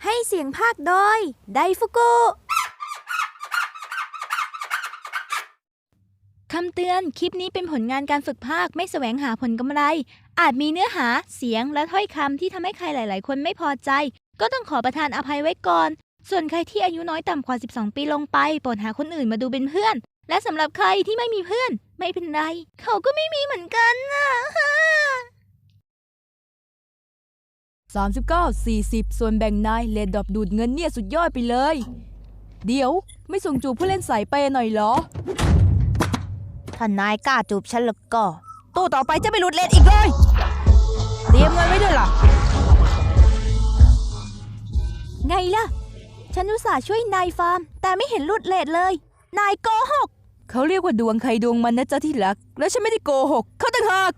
ให้เสียงภาคโดยไดฟุกุคำเตือนคลิปนี้เป็นผลงานการฝึกภาคไม่แสวงหาผลกำไรอาจมีเนื้อหาเสียงและถ้อยคำที่ทำให้ใครหลายๆคนไม่พอใจก็ต้องขอประทานอภัยไว้ก่อนส่วนใครที่อายุน้อยต่ำกว่า12ปีลงไปโปรดหาคนอื่นมาดูเป็นเพื่อนและสำหรับใครที่ไม่มีเพื่อนไม่เป็นไรเขาก็ไม่มีเหมือนกันนะ 39-40 ส่วนแบ่งนายเลดดอบดูดเงินเนี่ยสุดยอดไปเลยเดี๋ยวไม่ส่งจูบผู้เล่นสายเปย์หน่อยเหรอถ้านายกล้าจูบฉันแล้วก็ตู้ต่อไปจะไม่หลุดเลนอีกเลยเตรียมเงินไว้ด้วยล่ะไงล่ะฉันอุตส่าห์ช่วยนายฟาร์มแต่ไม่เห็นหลุดเลทเลยนายโกหกเขาเรียกว่าดวงใครดวงมันนะจ๊ะที่รักแล้วฉันไม่ได้โกหกเขาต่างหาก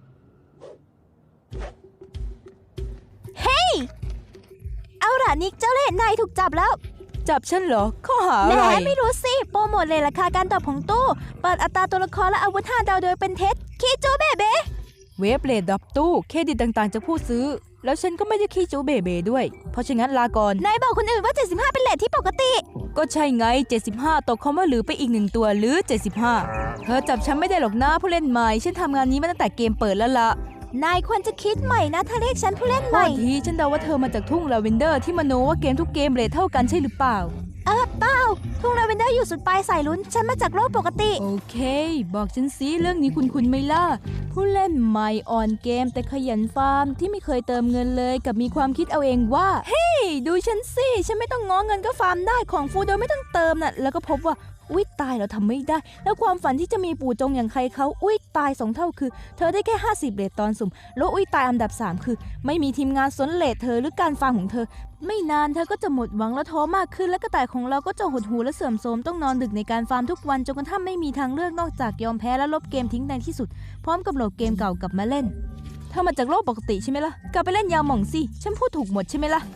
เฮ้ยเอาล่ะนิกเจ้าเล่ห์นายถูกจับแล้วจับฉันเหรอข้อหาแหอะไรมไม่รู้สิโปรโมทเลยราคาการตอบของตู้เปิดอัตราตัวละครและอาวุธ5 ดาวโดยเป็นเท็จคีจูเบเบเวฟเลดดอบตู้เครดิตต่างๆจากผู้ซื้อแล้วฉันก็ไม่ได้ขี้จูเบเบด้วยเพราะฉะนั้นลาก่อนนายบอกคนอื่นว่า75เป็นเรทที่ปกติก็ใช่ไง75ตกคำว่าหรือไปอีก1ตัวหรือ75เธอจับฉันไม่ได้หรอกนะผู้เล่นใหม่ฉันทำงานนี้มาตั้งแต่เกมเปิดแล้วล่ะนายควรจะคิดใหม่นะถ้าเรียกฉันผู้เล่นใหม่ทีฉันเดาว่าเธอมาจากทุ่งลาเวนเดอร์ที่มโนว่าเกมทุกเกมเรทเท่ากันใช่หรือเปล่าเปล่าทุ่งลาเวนเดอร์อยู่สุดปลายสายลุ้นฉันมาจากโลกปกติโอเคบอกฉันสิเรื่องนี้คุณไหมล่ะผู้เล่นใหม่อ่อนเกมแต่ขยันฟาร์มที่ไม่เคยเติมเงินเลยกับมีความคิดเอาเองว่าเฮ้ยดูฉันสิฉันไม่ต้องง้อเงินก็ฟาร์มได้ของฟูโดยไม่ต้องเติมน่ะแล้วก็พบว่าอุ๊ยตายเราทำไม่ได้แล้วความฝันที่จะมีปู่จงอย่างใครเขาอุ๊ยตาย2 เท่าคือเธอได้แค่50เรทตอนสุ่มแล้วอุ๊ยตายอันดับ3คือไม่มีทีมงานสนเรทเธอหรือการฟาร์มของเธอไม่นานเธอก็จะหมดหวังและท้อมากขึ้นและกระต่ายของเราก็จะหดหู่และเสื่อมโทรมต้องนอนดึกในการฟาร์มทุกวันจนกระทั่งไม่มีทางเลือกนอกจากยอมแพ้และลบเกมทิ้งในที่สุดพร้อมกับโหลดเกมเก่ากลับมาเล่นเธอมาจากโลกปกติใช่ไหมล่ะกลับไปเล่นยาหม่องสิฉันพูดถูกหมดใช่ไหมล่ะ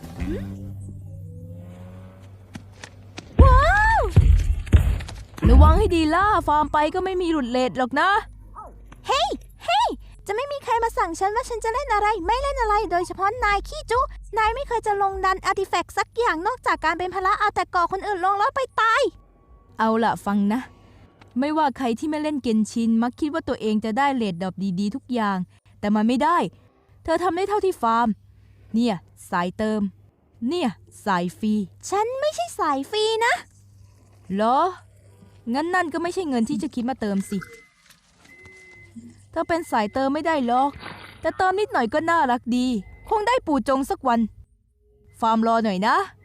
ระวังให้ดีล่ะฟาร์มไปก็ไม่มีหลุดเลทหรอกนะเฮ้ยจะไม่มีใครมาสั่งฉันว่าฉันจะเล่นอะไรไม่เล่นอะไรโดยเฉพาะนายขี้จุนายไม่เคยจะลงดันอาร์ติแฟกต์สักอย่างนอกจากการเป็นภาระเอาแต่ก่อคนอื่นลงแล้วไปตายเอาล่ะฟังนะไม่ว่าใครที่ไม่เล่นเกนชินมักคิดว่าตัวเองจะได้เลทดรอปดีๆทุกอย่างแต่มันไม่ได้เธอทำได้เท่าที่ฟาร์มเนี่ยสายเติมเนี่ยสายฟรีฉันไม่ใช่สายฟรีนะเหรองั้นนั่นก็ไม่ใช่เงินที่จะคิดมาเติมสิเธอเป็นสายเติมไม่ได้หรอกแต่เติมนิดหน่อยก็น่ารักดีคงได้ปู่จงสักวันฟาร์มรอหน่อยนะ